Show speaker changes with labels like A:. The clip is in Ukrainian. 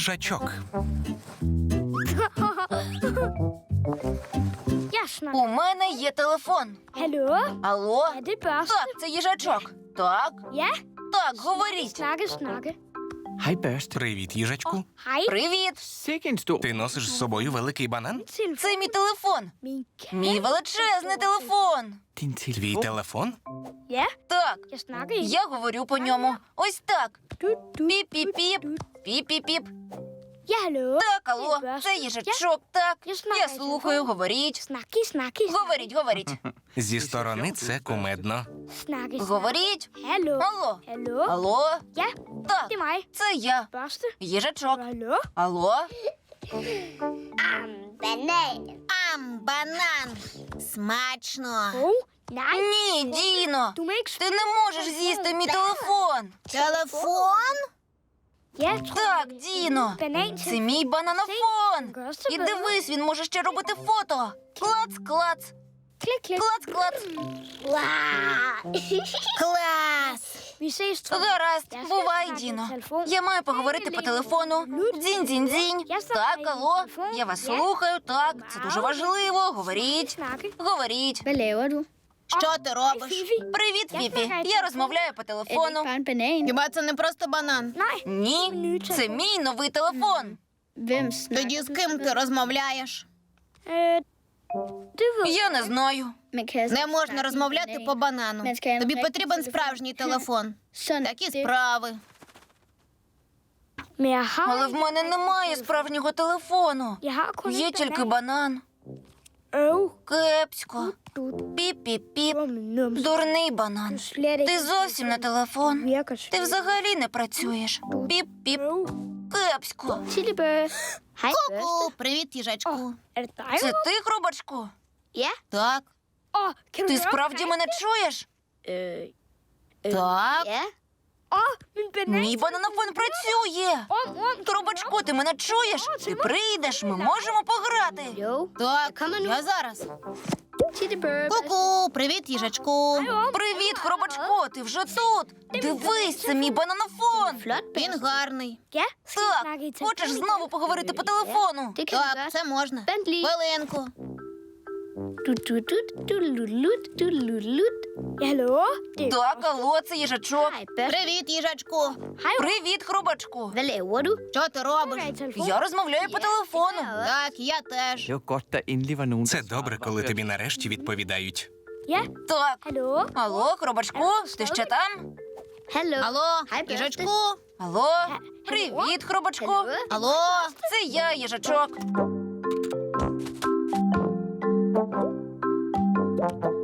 A: їжачок.
B: У мене є телефон.
C: Hallo?
B: Алло?
C: Er det børste?
B: Так, це їжачок. Так?
C: Ja?
B: Так, говоріть.
C: Snakke.
D: Hej, Børste.
A: Привіт, їжачку.
C: Hej.
B: Привіт.
D: Sikke en stor...
A: Ти носиш з собою великий банан?
B: Це мій телефон.
C: Min
B: Мій величезний телефон.
D: Din
A: Твій
D: telefon.
A: телефон?
C: Ja,
B: Так,
C: jeg snakker ikke.
B: я говорю по ньому. Ось так.
C: Du.
B: Піп-піп-піп. Піп-піп-піп.
C: Ja, hallo?
B: Так, алло, це їжачок, так. Я слухаю, говоріть.
C: Snakke.
B: Говоріть, говоріть.
A: Зі сторони це кумедно.
C: Snakke.
B: Говоріть.
C: Hallo?
B: Алло.
C: Hallo?
B: Алло?
C: Ja,
B: Так,
C: det er mig.
B: це я.
C: Børste.
B: Їжачок.
C: Hallo?
B: Алло?
E: Банан. Смачно.
C: Nej,
B: Ні, Діно.
C: du må ikke...
B: Ти не можеш з'їсти мій телефон.
E: Телефон?
C: Ja, jeg tror,
B: Так, Діно.
C: banan
B: Це
C: til...
B: мій бананофон.
C: Børste.
B: І дивись, він може ще робити фото. Клац, клац,
C: Klik.
B: клац, клац.
E: Клас.
C: Vi ses, tror
B: Гаразд, бувай, Діно. Я маю поговорити по телефону. Дзінь-дзінь-дзінь. Так, алло, я вас слухаю, так. Це дуже важливо. Говоріть,
C: Snakke.
B: говоріть.
F: Hvad laver du?
E: Що ти робиш?
C: Fifi.
B: Привіт, Фіпі. Я розмовляю по
F: Er det ikke
B: телефону.
F: bare en banan?
E: Хіба це не просто банан?
C: Nej,
B: Ні, це мій новий телефон.
F: Hvem snakker
E: Тоді з ким ти розмовляєш?
C: det ved jeg.
B: Я не знаю.
F: Man kan
E: Не можна розмовляти по банану. Тобі потрібен справжній телефон.
F: Sådan
E: Такі
F: det.
E: справи.
C: Men jeg har...
B: Але в мене немає справжнього телефону.
C: Jeg har kun
B: Є
C: en
B: тільки
C: banan.
B: банан. Кепсько. Піп-піп-піп. Дурний банан.
C: Slet
B: Ти
C: ikke
B: зовсім на телефон.
C: virker
B: Ти взагалі не працюєш. Піп-піп. Кепсько.
F: Tillebør. Hej, Børste.
E: Ку-ку, привіт, їжачку.
C: Er det dig?
B: Це ти, хробачку?
E: Так,
C: Åh, kan du
B: Ти
C: høre
B: справді
C: mig?
B: мене чуєш?
E: так.
F: Ja.
C: Min banan.
B: Мій бананофон працює. Хробачку, ти мене чуєш? Ти прийдеш, ми можемо пограти.
F: Jo.
E: Так, я зараз.
F: Tillebør.
E: Ку-ку, привіт, їжачку.
B: Привіт, хробачку, ти вже тут. Дивись, це мій бананофон.
F: Flot,
E: Він гарний.
C: Ja, skal vi
B: Так,
C: snakke i
B: хочеш
C: telefon?
B: знову поговорити по телефону?
F: Det kan vi
E: Так,
F: godt.
E: це можна.
F: Vent lige.
E: Хвилинку.
F: Du-du-du-du-lu-lut.
C: Ja, hallo? Det er...
B: Так, алло, це їжачок.
F: Hej, Børste.
E: Привіт, їжачку.
B: Привіт, хробачку.
F: Hvad laver du?
E: Що ти робиш?
C: i telefon.
B: Я розмовляю по телефону.
E: Так, я теж.
D: Det var godt, der endelig var nogen,
A: Це добре, коли тобі нарешті відповідають.
C: Ja,
B: Так.
C: hallo?
B: Алло, хробачку, ти ще там?
F: Hallo.
E: Алло,
F: Hej, Børste.
E: їжачку.
B: Алло, привіт, хробачку.
F: Hallo.
E: Алло.
B: Це я, їжачок.